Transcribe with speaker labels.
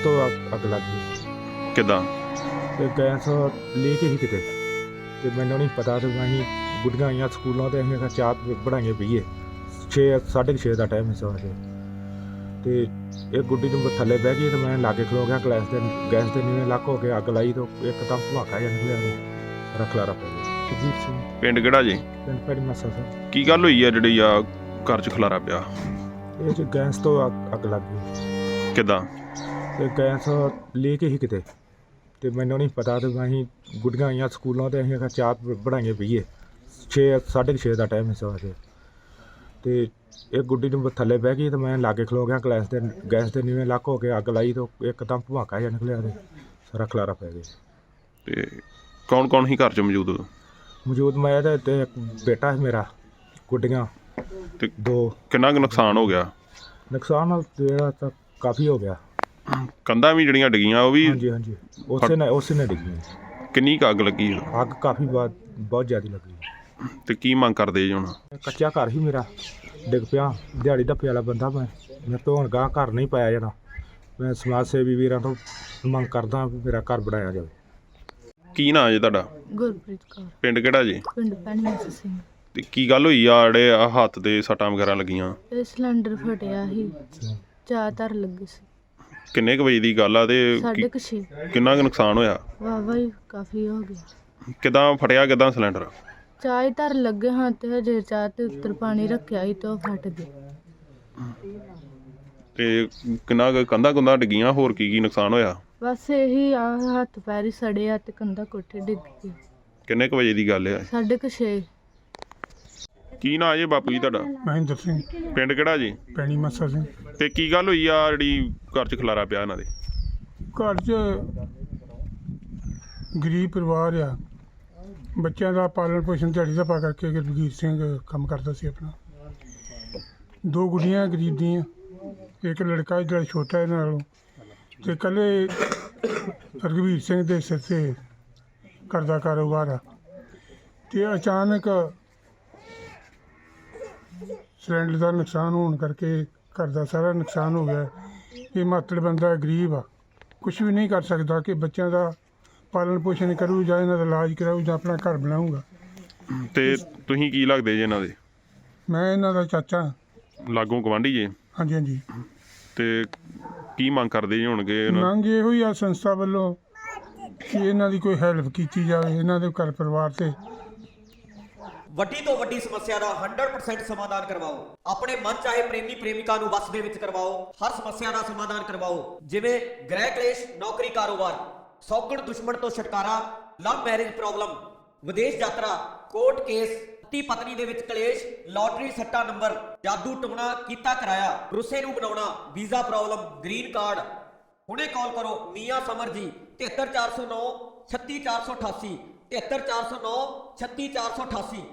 Speaker 1: ਤੋਂ ਅੱਗ ਲੱਗ ਗਈ
Speaker 2: ਕਿੱਦਾਂ?
Speaker 1: ਤੇ ਗੈਸ ਲੀਕ ਹੀ ਕਿਤੇ ਤੇ ਮੈਨੂੰ ਨਹੀਂ ਪਤਾ ਤੇ ਅਸੀਂ ਗੁੱਡੀਆਂ ਆਈਆਂ ਸਕੂਲੋਂ ਤੇ ਅਸੀਂ ਚਾਹ ਬਣਾਈਏ ਪੀਏ 6:30 ਦਾ ਟਾਈਮ ਸੀ ਸਵੇਰ ਤੇ ਇਹ ਗੁੱਡੀ ਨੂੰ ਥੱਲੇ ਬਹਿ ਗਈ ਤੇ ਮੈਂ ਲਾਗੇ ਖਲੋ ਗਿਆ ਗੈਸ ਦੇ ਨੀਵੇਂ ਲੱਕ ਹੋ ਕੇ ਅੱਗ ਲਾਈ ਤੇ ਇੱਕਦਮ ਧਮਾਕਾ ਜਿਹਾ ਨਿਕਲਿਆ ਸਾਰਾ ਖਲਾਰਾ ਪੈ ਗਿਆ। ਸੁਰਜੀਤ ਸਿੰਘ
Speaker 2: ਪਿੰਡ ਕਿਹੜਾ ਜੀ?
Speaker 1: ਪਿੰਡ ਪੈੜੀ ਮੱਸਾ ਸਰ।
Speaker 2: ਕੀ ਗੱਲ ਹੋਈ ਆ ਜਿਹੜੀ ਆ ਘਰ 'ਚ ਖਲਾਰਾ ਪਿਆ?
Speaker 1: ਇਹ 'ਚ ਗੈਸ ਤੋਂ ਅੱਗ ਲੱਗ ਗਈ
Speaker 2: ਕਿੱਦਾਂ?
Speaker 1: ਤੇ ਗੈਸ ਲੀਕ ਹੀ ਕਿਤੇ ਤੇ ਮੈਨੂੰ ਨਹੀਂ ਪਤਾ ਤੇ ਅਸੀਂ ਗੁੱਡੀਆਂ ਆਈਆਂ ਸਕੂਲੋਂ ਤੇ ਅਸੀਂ ਚਾਹ ਬਣਾਈਏ ਪੀਏ 6:30 ਦਾ ਟਾਈਮ ਸੀ ਸਵੇਰ ਤੇ ਇਹ ਗੁੱਡੀ ਨੂੰ ਥੱਲੇ ਬਹਿ ਗਈ ਤੇ ਮੈਂ ਲਾਗੇ ਖਲੋ ਗਿਆ ਗੈਸ ਦੇ ਨੀਵੇਂ ਲੱਕ ਹੋ ਕੇ ਅੱਗ ਲਾਈ ਤੇ ਇੱਕਦਮ ਧਮਾਕਾ ਜਿਹਾ ਨਿਕਲਿਆ ਤੇ ਸਾਰਾ ਖਲਾਰਾ ਪੈ ਗਿਆ।
Speaker 2: ਤੇ ਕੌਣ ਕੌਣ ਸੀ ਘਰ 'ਚ ਮੌਜੂਦ ਉਦੋਂ?
Speaker 1: ਮੌਜੂਦ ਮੈਂ ਤੇ ਇੱਕ ਬੇਟਾ ਸੀ ਮੇਰਾ, ਗੁੱਡੀਆਂ
Speaker 2: ਤੇ
Speaker 1: ਦੋ।
Speaker 2: ਕਿੰਨਾ ਕੁ ਨੁਕਸਾਨ ਹੋ ਗਿਆ?
Speaker 1: ਨੁਕਸਾਨ ਜਿਹੜਾ ਤਾਂ ਕਾਫੀ ਹੋ ਗਿਆ।
Speaker 2: ਕੰਧਾਂ ਵੀ ਜਿਹੜੀਆਂ ਡਿੱਗੀਆਂ ਉਹ ਵੀ?
Speaker 1: ਹਾਂਜੀ ਹਾਂਜੀ ਉਸੇ ਨੇ ਡਿੱਗੀ।
Speaker 2: ਕਿੰਨੀ ਕੁ ਅੱਗ ਲੱਗੀ?
Speaker 1: ਅੱਗ ਕਾਫੀ ਬਹੁਤ ਜ਼ਿਆਦਾ ਲੱਗੀ।
Speaker 2: ਤੇ ਕੀ ਮੰਗ ਕਰਦੇ ਜੀ ਹੁਣ?
Speaker 1: ਕੱਚਾ ਘਰ ਹੀ ਮੇਰਾ ਡਿੱਗ ਪਿਆ, ਦਿਹਾੜੀ ਧੱਪੇ ਵਾਲਾ ਬੰਦਾ ਮੈਂ ਤੋਂ ਹੁਣ ਗਾਂ ਘਰ ਨਹੀਂ ਪਾਇਆ ਜਾਣਾ। ਮੈਂ ਸਮਾਜ ਸੇਵੀ ਵੀਰਾਂ ਤੋਂ ਮੰਗ ਕਰਦਾ ਵੀ ਮੇਰਾ ਘਰ ਬਣਾਇਆ ਜਾਵੇ।
Speaker 2: ਕੀ ਨਾਂ ਜੀ ਤੁਹਾਡਾ?
Speaker 3: ਗੁਰਪ੍ਰੀਤ ਕੌਰ।
Speaker 2: ਪਿੰਡ ਕਿਹੜਾ ਜੀ?
Speaker 3: ਪਿੰਡ ਪੈਣੀ ਮੱਸਾ ਸਿੰਘ।
Speaker 2: ਤੇ ਕੀ ਗੱਲ ਹੋਈ ਆ ਜਿਹੜੇ ਆ ਹੱਥ ਦੇ ਸੱਟਾਂ ਵਗੈਰਾ ਲੱਗੀਆਂ?
Speaker 3: ਇਹ ਸਿਲੰਡਰ ਫਟਿਆ ਸੀ, ਚਾਹ ਧਰ ਲੱਗੀ ਸੀ।
Speaker 2: ਕਿੰਨੇ ਕੁ ਵਜੇ ਦੀ ਗੱਲ ਆ ਤੇ
Speaker 3: 6:30
Speaker 2: ਕਿੰਨਾ ਕੁ ਨੁਕਸਾਨ ਹੋਇਆ?
Speaker 3: ਵਾਹਵਾ ਹੀ ਕਾਫੀ ਹੋ ਗਿਆ।
Speaker 2: ਕਿੱਦਾਂ ਫਟਿਆ ਕਿੱਦਾਂ ਸਿਲੰਡਰ?
Speaker 3: ਚਾਹ ਹੀ ਧਰ ਲੱਗੇ ਹਾਂ ਤੇ ਹਜੇ ਚਾਹ ਤੇ ਉੱਤਰ ਪਾਣੀ ਰੱਖਿਆ ਸੀ ਤੇ ਉਹ ਫਟ ਗਈ।
Speaker 2: ਤੇ ਕਿੰਨਾ ਕੁ ਕੰਧਾਂ ਕੁੰਧਾਂ ਡਿੱਗੀਆਂ? ਹੋਰ ਕੀ ਨੁਕਸਾਨ ਹੋਇਆ?
Speaker 3: ਬਸ ਇਹੀ ਆ, ਹੱਥ ਪੈਰ ਹੀ ਸੜੇ ਆ ਤੇ ਕੰਧਾ ਕੋਠੇ ਡਿੱਗ ਗਈ।
Speaker 2: ਕਿੰਨੇ ਕੁ ਵਜੇ ਦੀ ਗੱਲ ਆ?
Speaker 3: 6:30।
Speaker 2: ਕੀ ਨਾਂ ਜੀ ਬਾਪੂ ਜੀ ਤੁਹਾਡਾ?
Speaker 1: ਮਹਿੰਦਰ ਸਿੰਘ।
Speaker 2: ਪਿੰਡ ਕਿਹੜਾ ਜੀ?
Speaker 1: ਪੈਣੀ ਮੱਸਾ ਸਿੰਘ।
Speaker 2: ਤੇ ਕੀ ਗੱਲ ਹੋਈ ਆ ਜਿਹੜੀ ਘਰ 'ਚ ਖਲਾਰਾ ਪਿਆ ਇਹਨਾਂ ਦੇ?
Speaker 1: ਘਰ 'ਚ ਗਰੀਬ ਪਰਿਵਾਰ ਆ, ਬੱਚਿਆਂ ਦਾ ਪਾਲਣ ਪੋਸ਼ਣ ਦਿਹਾੜੀ ਦਾ ਪਾ ਕਰਕੇ ਗੁਰਬੀਰ ਸਿੰਘ ਕੰਮ ਕਰਦਾ ਸੀ ਆਪਣਾ। ਦੋ ਗੁੱਡੀਆਂ ਗਰੀਬ ਦੀਆਂ, ਇੱਕ ਲੜਕਾ ਜਿਹੜਾ ਛੋਟਾ ਇਹਨਾਂ ਨਾਲੋਂ, ਤੇ ਇਕੱਲੇ ਰਘਵੀਰ ਸਿੰਘ ਦੇ ਸਿਰ 'ਤੇ ਘਰ ਦਾ ਕਾਰੋਬਾਰ ਆ। ਤੇ ਅਚਾਨਕ ਸਿਲੰਡਰ ਦਾ ਨੁਕਸਾਨ ਹੋਣ ਕਰਕੇ ਘਰ ਦਾ ਸਾਰਾ ਨੁਕਸਾਨ ਹੋ ਗਿਆ। ਇਹ ਮਾਤੜ ਬੰਦਾ ਗਰੀਬ ਆ, ਕੁਛ ਵੀ ਨਹੀਂ ਕਰ ਸਕਦਾ ਕਿ ਬੱਚਿਆਂ ਦਾ ਪਾਲਣ ਪੋਸ਼ਣ ਕਰੂ ਜਾਂ ਇਹਨਾਂ ਦਾ ਇਲਾਜ ਕਰਾਊ ਜਾਂ ਆਪਣਾ ਘਰ ਬਣਾਊਗਾ।
Speaker 2: ਤੇ ਤੁਸੀਂ ਕੀ ਲੱਗਦੇ ਜੀ ਇਹਨਾਂ ਦੇ?
Speaker 1: ਮੈਂ ਇਹਨਾਂ ਦਾ ਚਾਚਾ।
Speaker 2: ਲਾਗੋਂ ਗਵਾਂਢੀ ਜੀ?
Speaker 1: ਹਾਂਜੀ ਹਾਂਜੀ।
Speaker 2: ਤੇ ਕੀ ਮੰਗ ਕਰਦੇ ਜੀ ਹੋਣਗੇ?
Speaker 1: ਮੰਗ ਇਹੋ ਹੀ ਆ ਸੰਸਥਾ ਵੱਲੋਂ ਕਿ ਇਹਨਾਂ ਦੀ ਕੋਈ ਹੈਲਪ ਕੀਤੀ ਜਾਵੇ, ਇਹਨਾਂ ਦੇ ਘਰ ਪਰਿਵਾਰ 'ਤੇ।
Speaker 4: ਵੱਡੀ ਤੋਂ ਵੱਡੀ ਸਮੱਸਿਆ ਦਾ 100% ਸਮਾਧਾਨ ਕਰਵਾਓ। ਆਪਣੇ ਮਨ ਚਾਹੇ ਪ੍ਰੇਮੀ ਪ੍ਰੇਮਿਕਾ ਨੂੰ ਵਸ ਦੇ ਵਿੱਚ ਕਰਵਾਓ। ਹਰ ਸਮੱਸਿਆ ਦਾ ਸਮਾਧਾਨ ਕਰਵਾਓ, ਜਿਵੇਂ ਗ੍ਰਹਿ ਕਲੇਸ਼, ਨੌਕਰੀ, ਕਾਰੋਬਾਰ, ਸੌਗਣ ਦੁਸ਼ਮਣ ਤੋਂ ਛੁਟਕਾਰਾ, ਲਵ ਮੈਰਿਜ ਪ੍ਰੋਬਲਮ, ਵਿਦੇਸ਼ ਯਾਤਰਾ, ਕੋਰਟ ਕੇਸ, ਪਤੀ ਪਤਨੀ ਦੇ ਵਿੱਚ ਕਲੇਸ਼, ਲਾਟਰੀ ਸੱਟਾ ਨੰਬਰ, ਜਾਦੂ ਟੂਣਾ ਕੀਤਾ ਕਰਾਇਆ, ਰੁੱਸੇ ਨੂੰ ਬਣਾਉਣਾ, ਵੀਜ਼ਾ ਪ੍ਰੋਬਲਮ, ਗ੍ਰੀਨ ਕਾਰਡ। ਹੁਣੇ ਕਾਲ ਕਰੋ ਮੀਆਂ ਸਮਰ ਜੀ 73409 36488 73409 36488।